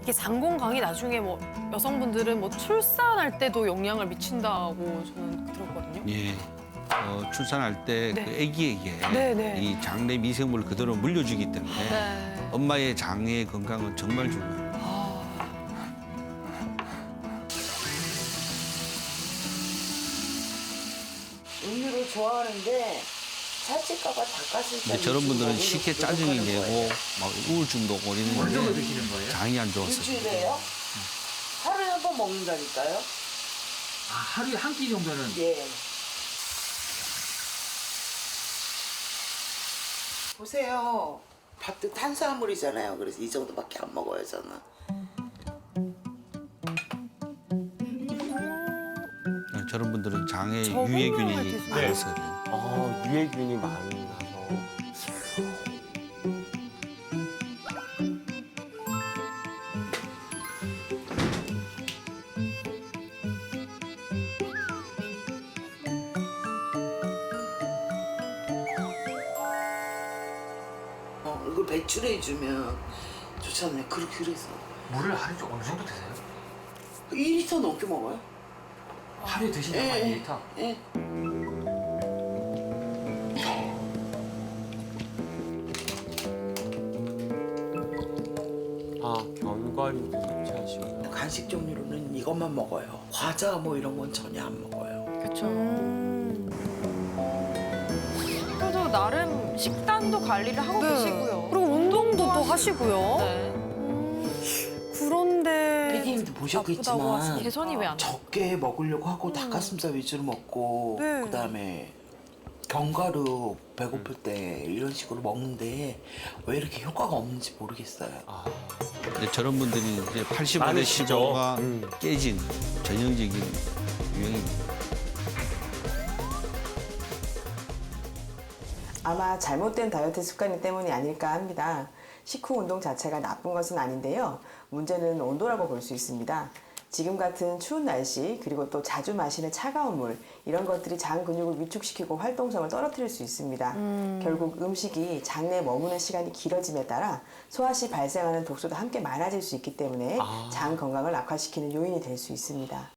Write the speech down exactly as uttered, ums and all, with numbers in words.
이게 장 건강이 나중에 뭐 여성분들은 뭐 출산할 때도 영향을 미친다고 저는 들었거든요. 예. 어, 출산할 때 그 네. 아기에게 네, 네. 이 장내 미생물을 그대로 물려주기 때문에 네. 엄마의 장의 건강은 정말 중요해요. 음료를 좋아하는데 살찔까봐 닭가슴살. 근데 저런 분들은 위주로 쉽게 먹으려고 짜증이 노력하는 내고 거예요. 막 우울증도 오고 어느 정도 이러는데 드시는 거예요? 장이 안 좋아서. 일주일에요? 하루에 한 번 먹는다니까요? 아, 하루에 한 끼 정도는. 예. 보세요. 밥도 탄수화물이잖아요. 그래서 이 정도밖에 안 먹어요, 저는. 저런 분들은 장에 저것만 할 유해균이 때 많아서 그래요. 아, 유해균이 많아서. 어, 이거 배출해주면 좋잖아요. 그렇게 그래서. 물을 하루에 어느 정도 드세요? 일 리터 넘게 먹어요. 하루에 드시는 예, 거 이 예. 리터? 예. 아, 견과류도 섭취하시고요. 간식 종류로는 이것만 먹어요. 과자 뭐 이런 건 전혀 안 먹어요. 그렇죠. 그래도 나름 식단도 관리를 하고 계시고요. 그리고 운동도 또 하시고요. 네. 그런데 피디님도 아프다고 보셨겠지만 하시니까. 개선이 왜 안 돼? 적게 먹으려고 하고 닭가슴살 위주로 먹고 네. 그다음에 견과류 배고플 때 이런 식으로 먹는데 왜 이렇게 효과가 없는지 모르겠어요. 근데 저런 분들이 이제 팔십오 대 많으시죠? 십오가 음. 깨진 전형적인 유형입니다. 아마 잘못된 다이어트 습관 때문이 아닐까 합니다. 식후 운동 자체가 나쁜 것은 아닌데요. 문제는 온도라고 볼 수 있습니다. 지금 같은 추운 날씨 그리고 또 자주 마시는 차가운 물 이런 것들이 장 근육을 위축시키고 활동성을 떨어뜨릴 수 있습니다. 결국 음식이 장내에 머무는 시간이 길어짐에 따라 소화 시 발생하는 독소도 함께 많아질 수 있기 때문에 장 건강을 악화시키는 요인이 될 수 있습니다.